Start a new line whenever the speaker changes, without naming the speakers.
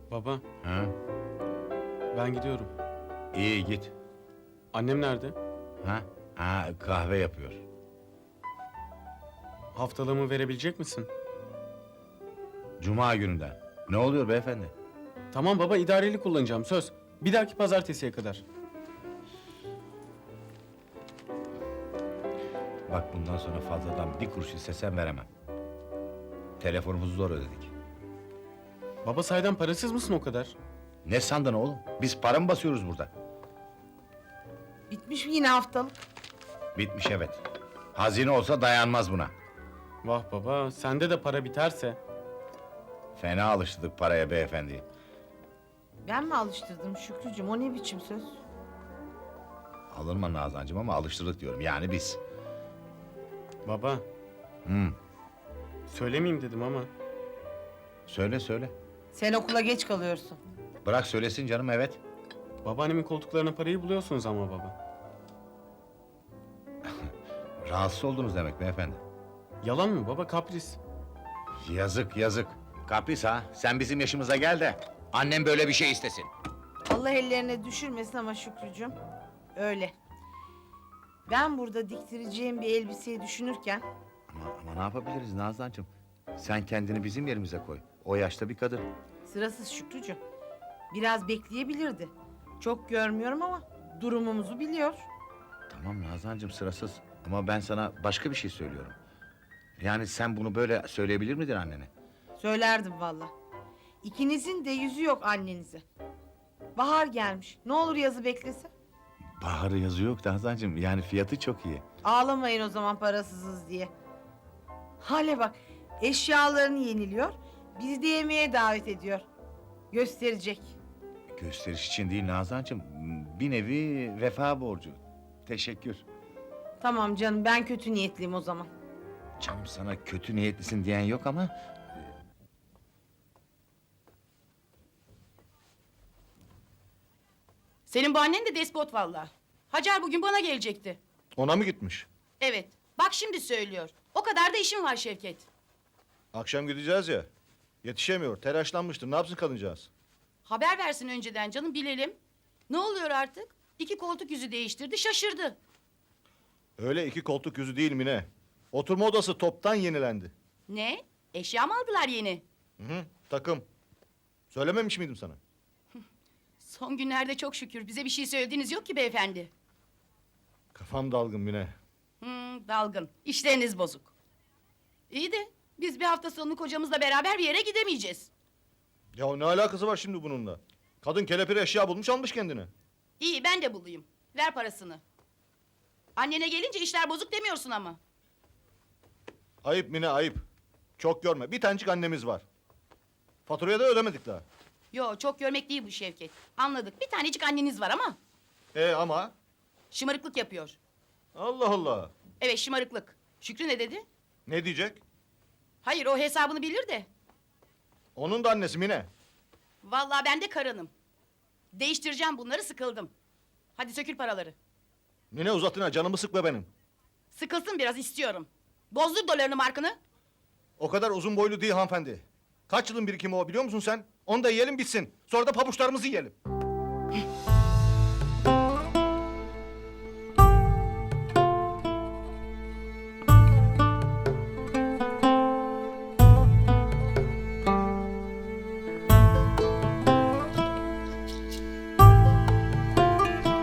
Baba,
Ha?
ben gidiyorum.
İyi git.
Annem nerede?
Ha? Ha, kahve yapıyor.
Haftalığımı verebilecek misin?
Cuma gününden. Ne oluyor beyefendi?
Tamam baba, idareli kullanacağım, söz. Bir dahaki pazartesiye kadar.
Bak bundan sonra fazladan bir kuruş istesem veremem. Telefonumuzu zor ödedik.
Baba saydan parasız mısın o kadar?
Ne sandın oğlum? Biz para mı basıyoruz burada?
Bitmiş mi yine haftalık?
Bitmiş evet. Hazine olsa dayanmaz buna.
Vah baba, sende de para biterse.
Fena alıştırdık paraya beyefendi.
Ben mi alıştırdım Şükrücüğüm? O ne biçim söz?
Alınma Nazancığım ama alıştırdık diyorum. Yani biz.
Baba,
Hı.
söylemeyeyim dedim ama.
Söyle söyle.
Sen okula geç kalıyorsun.
Bırak söylesin canım evet.
Babaannemin koltuklarına parayı buluyorsunuz ama baba.
Rahatsız oldunuz demek beyefendi.
Yalan mı baba, kapris.
Yazık yazık. Kapris ha. Sen bizim yaşımıza gel de annem böyle bir şey istesin.
Allah ellerine düşürmesin ama Şükrücüğüm. Öyle. Ben burada diktireceğim bir elbiseyi düşünürken...
Ama ne yapabiliriz Nazancığım? Sen kendini bizim yerimize koy. O yaşta bir kadın.
Sırasız Şükrücüğüm. Biraz bekleyebilirdi. Çok görmüyorum ama durumumuzu biliyor.
Tamam Nazancığım sırasız. Ama ben sana başka bir şey söylüyorum. Yani sen bunu böyle söyleyebilir miydin annene?
Söylerdim valla. İkinizin de yüzü yok annenize. Bahar gelmiş. Ne olur yazı beklese.
Baharı yazı yok Nazancığım. Yani fiyatı çok iyi.
Ağlamayın o zaman parasızız diye. Hale bak, eşyalarını yeniliyor, bizi de yemeğe davet ediyor. Gösterecek.
Gösteriş için değil Nazancığım. Bir nevi vefa borcu. Teşekkür.
Tamam canım, ben kötü niyetliyim o zaman.
Canım sana kötü niyetlisin diyen yok ama...
Senin bu annen de despot vallahi. Hacer bugün bana gelecekti.
Ona mı gitmiş?
Evet. Bak şimdi söylüyor. O kadar da işim var Şevket.
Akşam gideceğiz ya. Yetişemiyor, telaşlanmıştır. Ne yapsın kadıncağız?
Haber versin önceden canım bilelim. Ne oluyor artık? 2 koltuk yüzü değiştirdi şaşırdı.
Öyle iki koltuk yüzü değil mi ne? Oturma odası toptan yenilendi.
Ne? Eşya mı aldılar yeni?
Hı, takım. Söylememiş miydim sana?
Son günlerde çok şükür bize bir şey söylediğiniz yok ki beyefendi.
Kafam dalgın Mine.
Dalgın. İşleriniz bozuk. İyi de biz bir hafta sonu kocamızla beraber bir yere gidemeyeceğiz.
Ya ne alakası var şimdi bununla? Kadın kelepir eşya bulmuş almış kendine.
İyi ben de bulayım. Ver parasını. Annene gelince işler bozuk demiyorsun ama.
Ayıp Mine ayıp. Çok görme. Bir tanecik annemiz var. Faturayı da ödemedik daha.
Yo çok görmek değil bu Şevket. Anladık. Bir tanecik anneniz var ama
Ama?
şımarıklık yapıyor.
Allah Allah.
Evet şımarıklık. Şükrü ne dedi?
Ne diyecek?
Hayır o hesabını bilir de.
Onun da annesi Mine.
Vallahi ben de karınım. Değiştireceğim bunları sıkıldım. Hadi sökül paraları.
Mine uzatına canımı sıkma benim.
Sıkılsın biraz istiyorum. Bozdur dolarını markını.
O kadar uzun boylu değil hanımefendi. Kaç yılın birikimi o biliyor musun sen? Onu da yiyelim bitsin. Sonra da pabuçlarımızı yiyelim.